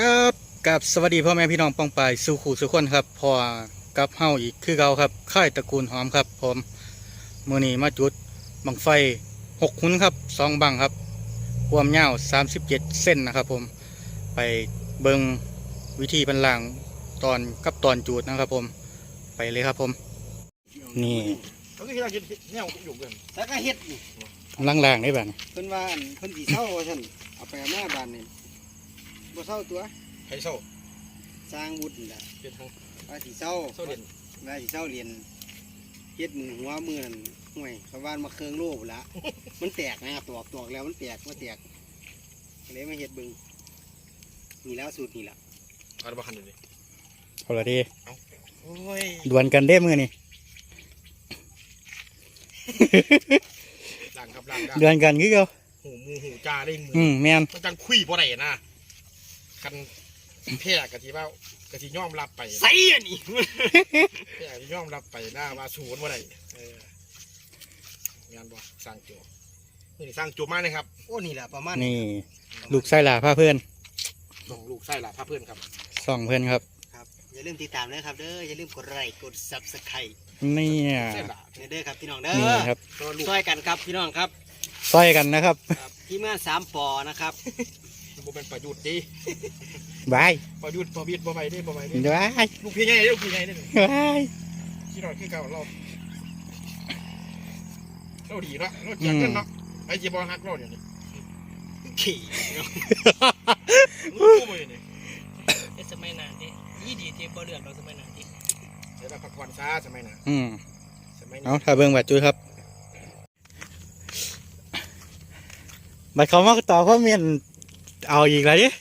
ครับกับสวัสดีพ่อแม่พี่น้องปองปายสู่ขู่สู่คนครับพอกับเฮาอีกคือเก่าครับค่ายตระกูลหอมครับผมมื้อนี้มาจุดบังไฟ6 หุนครับ2 บังครับความยาว37 เส้นนะครับผมไปเบิ่งวิธีบรรลังตอนกับตอนจุดนะครับผมไปเลยครับผมนี่เขาคือเรากินเนี่ยอยู่กันแล้วก็เฮ็ดอยู่กำลังล่างได้บ้างเพิ่นว่าเพิ่นสิเศร้าว่าซั่นเอาไปแม่บ้านนี่บ่เศร้าตัวไข่โซ่สร้างบุญน่ะเป็นทางว่าสิเศร้าโซ่เด่นว่าสิเศร้าเรียนเฮ็ดมือหัวมือนั่นห่วยชาวบ้านมาเครื่องโลบละมันแตกนะตอกแล้วมันแตกก็เลยมาเฮ็ดเบิ่งนี่แล้วสูตรนี่ล่ะอะไรบ้างคันอยู่ดิเอาละดีโอ้ยดวลกันเด้มือนี่ล่างครับล่างดวลกันคือเก่าหูจ่าได้มืแม่นมันจังคุยบ่ได้นะคันแพ้กะทิว่ากะทิย่อมรับไปใส่อันนี้แพ้กะทิย่อมรับไปหน้าว่าสูนบ่ได้งานบ่สร้างจั่วนี่สร้างจั่วมากเลยครับโอ้นี่ล่ะประมาณนี่ลูกไส้หลาผ้าเพื่อนส่งลูกไส้หล่ะพาเพื่อนครับส่องเพื่อนครับครับอย่าลืมติดตามนะครับเด้ออย่าลืมกดไลค์กด Subscribe นี่ไส้หล่ะเด้อครับพี่น้องเด้นี่อครับตัวลูกช่วยกันครับพี่น้องครับซอยกันนะครับทีมงาน3ปอนะครับบ่เป็นประยุทธ์ดิบายประยุทธ์ประวิตรบ่ไปดิบ่ไปดิบายลูกพี่ใหญ่ลูกพี่ใหญ่นี่บายที่เราคือเก่าเราดีเนาะเราเจียเงินเนาะไอ้จีบอลฮักเราเดี๋ยวนี้ขี่รู้บ่อยู่นี่สมัยนานที่ยี่ดีที่บ่เลือกเราสมัยนานที่เดี๋ยวเราพักผ่อนซะสมัยน่ะ สมัยเอานี้ถ้าเบิ่งบัดจุ้ยครับบัดเขามาต่อเขาเมียนเอาอีกแล้วดิ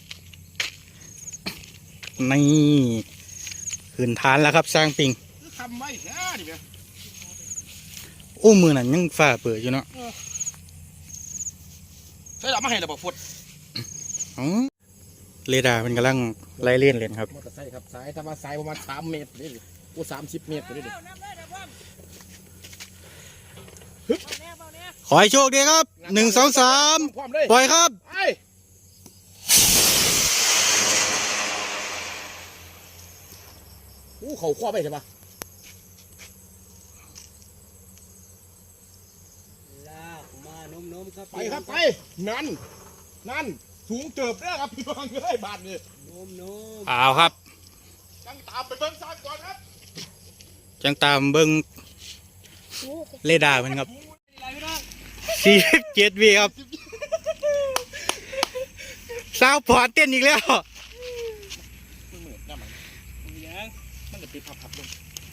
นี่ขึ้นฐานแล้วครับสร้างปิงทำไว้แค่ดิเว้ยอู้มือนั่นยังฝ่าเปิดอยู่เนาะใช่หรอมาให้ระบบฟุตอ๋อเรดาร์มันกำลังไล่เลี่ยนเลยครับมอเตอร์ไซค์ครับสายถ้ามาสายประมาณ3 เมตรนี่ดิกู30 เมตรนี่ดิขอให้โชคดีครับ1 2 3 พร้อมเลยปล่อยครับไอ้เขาคว้าไปใช่ปะลากมานมๆครับไปครับไปนั่นสูงเติบแล้วครับพี่น้องเอ้ยบาทนี่นมเอาครับยังตามไปเบิ่งซากก่อนครับจังตามเบิ้งเรดาร์มันครับ47 วิครับสาวพอร์ตเต้นอีกแล้วมันเหมือนน้ำมันยังมันจะปิดพับลง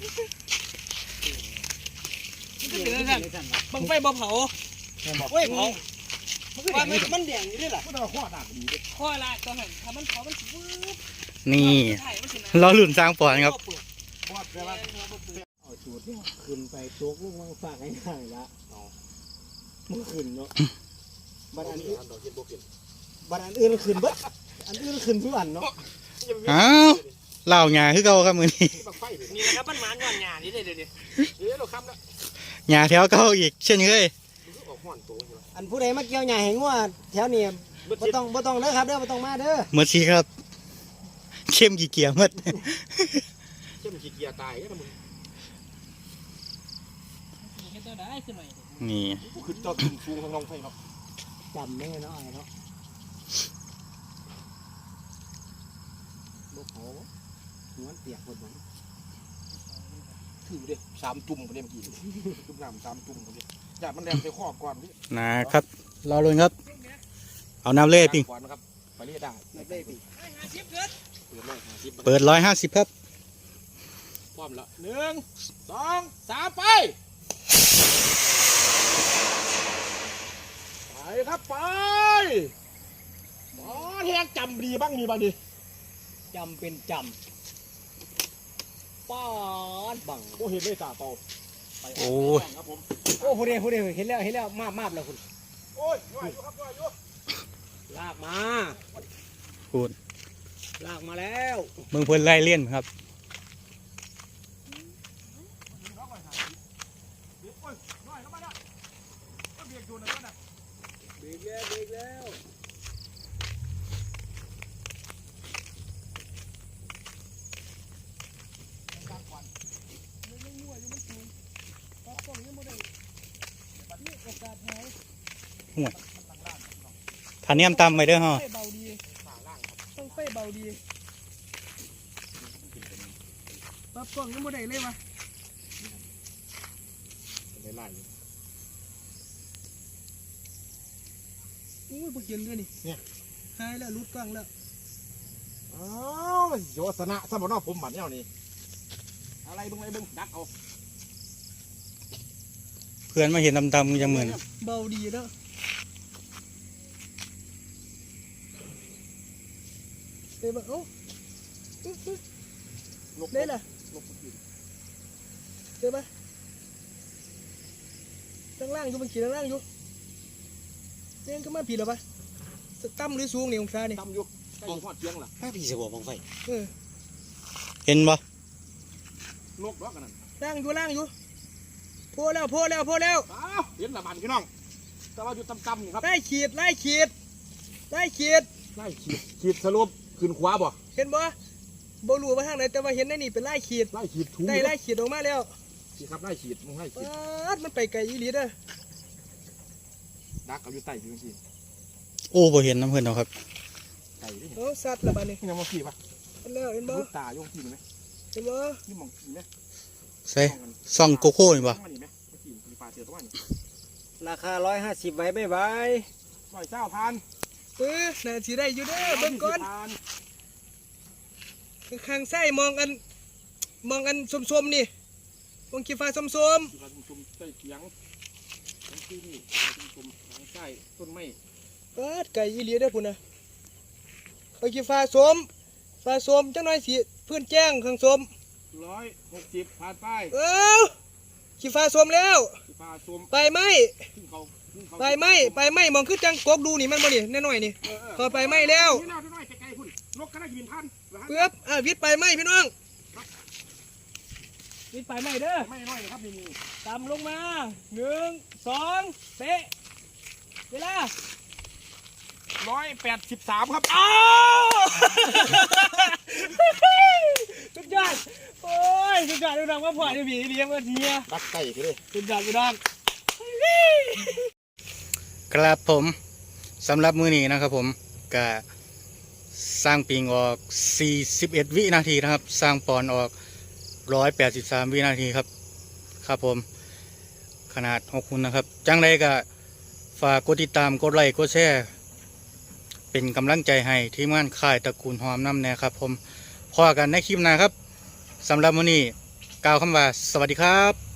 มันเป็นอะไรกันบังไฟบ่เผาเฮ้ยเผาว่ามันมันแดงอยู่ด้วยล่ะมันเอาข้อด่างดีเลยข้อละก็หันถ้ามันเผามันวืบนี่ถ่ายมันสินะเราหลุนสร้างปอนครับข้อแปลว่าเอาสูตรเนี่ยขึ้นไปโจกลูกวางฝากง่ายๆละมันขึ้นเนาะบัดอันอื่นดอกเห็ดโบกินบัดอันอื่นขึ้นเบิดอันอื่นขึ้นทุกอันเนาะอ้าวเล่าหยาคือเก่าครับมือนี้บักไฟเลยนี่นะครับมันหมานย้อนหยานี่เลยเดี๋ยวเดี๋ยวเราค้ำแล้วหยาแถวเก่าอีกเช่นเคยออกห่อนโตใช่ไหมอันผู้ใดมาเกี่ยวหญ้าให้งัวแถวนี้บ่ต้องเด้อครับเด้อบ่ต้องมาเด้อหมดสิครับ เข้มกี่เกียร์หมดเจ้ามันขี้เกียจตายนะมึงเห็นตัวได้ขึ้นหน่อยนี่กูขึ้นเจ้าขึ้นฟูงทางน้องไฟเนาะจำแม่เนาะไอ้เนาะบ่เผาหัวเปียกหมดบ่ถือดิ3 จุ่มคนนี้เมื่อกี้จุ่มน้ำ3 จุ่มคนนี้อย่ามันแรงไปข้อก่อนพี่นะครับรอลุ้นครับ เอาน้ำเล่ปิงก่อนนะครับไปเรียกได้นักได้ปีเปิด150ครับพร้อมแล้ว1 2 3ไปครับไปอ๋อแทงจำดีบ้างมีบ้างดิจำเป็นจำป้อนบังโอ้เห็นเลยตาโตไปโอ้ยครับผมโอ้ผู้ใดเห็นแล้วมาบแล้วคุณโอ้ยย่อยอยู่ครับย่อยอยู่ลากมาพูดลากมาแล้วเมืองเพิ่นไล่เลี่ยนครับย่อยเข้ามาแล้วก็เบียดอยู่นะก็นะเบรกแล้วยังบ่ได้นี่โอกาสหายถ้าเนียมตำไปเด้อฮะไฟเบาดีต้องไฟเบาดีปรับกล้องยังบ่ได้เลยวะไล่อุ้ยบ่เห็นเลยนี่หายแล้วรุดกล้องแล้วอ้าวโยสนะสมนอผมบัดเนี่ยนี่อะไรเบิ่งดักเอาเพื่อนมาเห็นดำๆจังเหมือนเบาดีแล้วเดี๋ยวเอ้าได้ล่ะเดี๋ยวตั้งล่างอยู่มันขี่ตั้งล่างอยู่เล่นก็มาผิดหรอปะต่ำหรือสูงนี่องศานี่ตำอยู่ใกล้หอดเตียงล่ะถ้าพี่สบอกบังไฟเห็นบ่นกดอกกันนั่นล่างอยู่โพแล้วอ้าวเห็นละมันพี่น้องแต่ว่าอยู่ตำๆนี่ครับไล่ขีดไล่ขีดสรุปขึ้นขวาบ่เห็นบ่บ่รู้ว่าทางไหนแต่ว่าเห็นในนี่เป็นไล่ขีดไล่ขีดถูได้ไล่ขีดออกมาแล้วสิครับไล่ขีดมึงไล่ขีดมันไปไกลอีหลีเด้อดักเอาอยู่ใต้อยู่สิโอ้บ่เห็นน้ำเพื่อนเอาครับใต้ดิโอ้สัตว์ละบัดนี้นี่ยังมาขี่ปะเห็นแล้วเห็นบ่ลูกตาโยงขี่ไหมเห็นบ่นี่มองขี่ไหมใส่ซ่องโกโก้นี่บ่นี่ไหมมาขี่มีปลาเจอตัวนี้ราคา150ไว้บ๊ายบายปล่อยเจ้าพันน่าสิได้อยู่เด้อเบิ่งก่อนข้างซ้ายมองอันส้มๆนี่มองขี้ฟ้าส้มชุมใต้เขียงที่นี่ชุมทางใต้ต้นไม้ๆไกลอีหลีเด้อพุ่นน่ะเอาขี้ฟ้าส้มจังหน่อยสิพื้นแจ้งข้างส้ม 160ผ่านไปขี้ฟ้าส้มแล้วปลาส้มไปไหมขึ้นเขาไปไหมมองคือจังกกดูนี่มันบ่นี่แน่น้อยนี่ก็ไปไหมแล้วนี่น่าจะน้อยไกลๆพุ่นนกก็ได้ยินพันเปื้อบวิทย์ไปไหมพี่น้องวิทย์ไปไหมเด้อไม่น้อยครับนี่ตามลงมา1 2เตะเวลา 183ครับอ้าวสุดยอดโอ้ยสุดยอดพี่น้องว่าพ่อจะมีเลี้ยงมาเทียดักไก่กันเลยสุดยอดพี่น้องครับผมสำหรับมื้อนี้นะครับผมก็สร้างปิงออก41วินาทีนะครับสร้างปอนออก183วินาทีครับครับผมขนาด6หุ่นนะครับจังไรก็ฝากกดติดตามกดไลค์กดแชร์เป็นกำลังใจให้ทีมงานค่ายตระกูลหอมน้ำแน่ครับผมพอกันในคลิปหน้าครับสำหรับมื้อนี้กล่าวคำว่าสวัสดีครับ